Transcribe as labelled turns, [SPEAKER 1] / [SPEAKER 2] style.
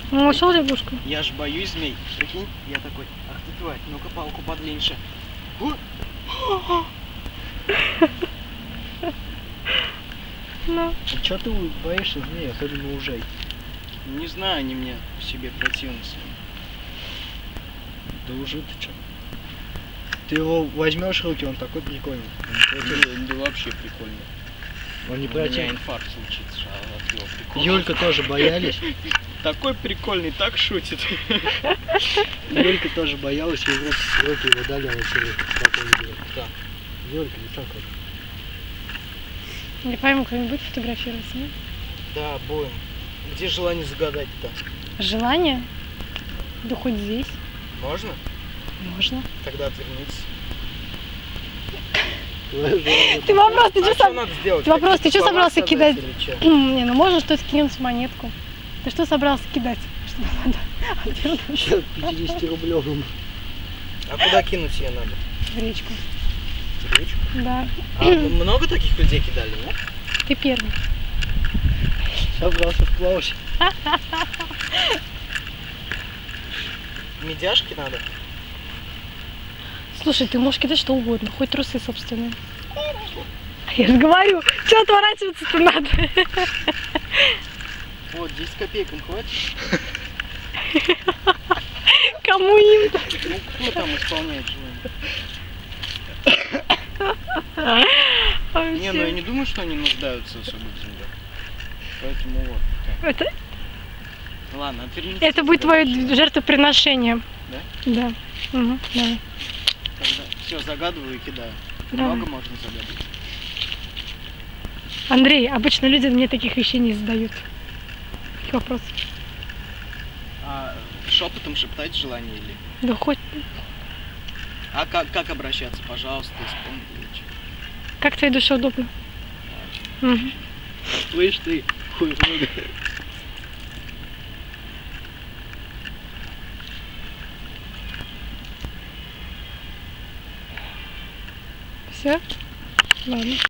[SPEAKER 1] Ну, ушел лягушку.
[SPEAKER 2] Я ж боюсь змей. Прикинь, я такой, ах ты тварь, ну-ка палку подлиннее.
[SPEAKER 1] Ну.
[SPEAKER 3] А чё ты боишься змей, особенно ужей?
[SPEAKER 2] Не знаю, они мне в себе противны.
[SPEAKER 3] Да уже ты чё? Ты его возьмешь в руки, он такой прикольный.
[SPEAKER 2] Да вообще прикольно.
[SPEAKER 3] Он не
[SPEAKER 2] У меня
[SPEAKER 3] противный.
[SPEAKER 2] инфаркт случится от его прикола.
[SPEAKER 3] Юлька тоже боялись.
[SPEAKER 2] Такой прикольный, так шутит.
[SPEAKER 3] Юлька тоже боялась, ей в руки его дали, она себе спокойно берет. Да. Юлька, не так вот.
[SPEAKER 1] Не пойму, кто-нибудь будет фотографироваться, нет?
[SPEAKER 2] Да, будем. Где желание загадать-то?
[SPEAKER 1] Желание? Да хоть здесь.
[SPEAKER 2] Можно?
[SPEAKER 1] Можно.
[SPEAKER 2] Тогда отвернитесь.
[SPEAKER 1] Ты вопрос, ты
[SPEAKER 2] А
[SPEAKER 1] что
[SPEAKER 2] что надо сделать?
[SPEAKER 1] Ты вопрос, ты что
[SPEAKER 2] Какие
[SPEAKER 1] собрался
[SPEAKER 2] слова
[SPEAKER 1] кидать?
[SPEAKER 2] сказать или чё?
[SPEAKER 1] Не, ну можно что-то кинуть монетку. Ты что собрался кидать? Что надо?
[SPEAKER 3] Сейчас 50-рублевым.
[SPEAKER 2] А куда кинуть ее надо?
[SPEAKER 1] В речку.
[SPEAKER 2] В речку?
[SPEAKER 1] Да.
[SPEAKER 2] А много таких людей кидали, нет?
[SPEAKER 1] Ты первый.
[SPEAKER 3] Собрался вплавать.
[SPEAKER 2] Медяшки надо?
[SPEAKER 1] Слушай, ты можешь кидать что угодно, хоть трусы собственные. Я же говорю, что отворачиваться-то надо?
[SPEAKER 2] Вот, 10 копеек им хватит?
[SPEAKER 1] Кому им?
[SPEAKER 2] Ну, кто там исполняет желание? Не, ну я не думаю, что они нуждаются особо в деньгах. Поэтому вот.
[SPEAKER 1] Это,
[SPEAKER 2] Ладно, отвернитесь.
[SPEAKER 1] это будет твое жертвоприношение.
[SPEAKER 2] Да?
[SPEAKER 1] Да. Угу, давай.
[SPEAKER 2] Тогда все, загадываю и кидаю.
[SPEAKER 1] Давай.
[SPEAKER 2] Много можно загадывать.
[SPEAKER 1] Андрей, обычно люди мне таких вещей не задают. Таких вопросов.
[SPEAKER 2] А шепотом шептать желание или?
[SPEAKER 1] Да хоть.
[SPEAKER 2] А как обращаться? Пожалуйста, исполни или чё?
[SPEAKER 1] Как твоей душе удобно. Угу.
[SPEAKER 3] Слышь ты, хуй много.
[SPEAKER 1] Все? Ладно.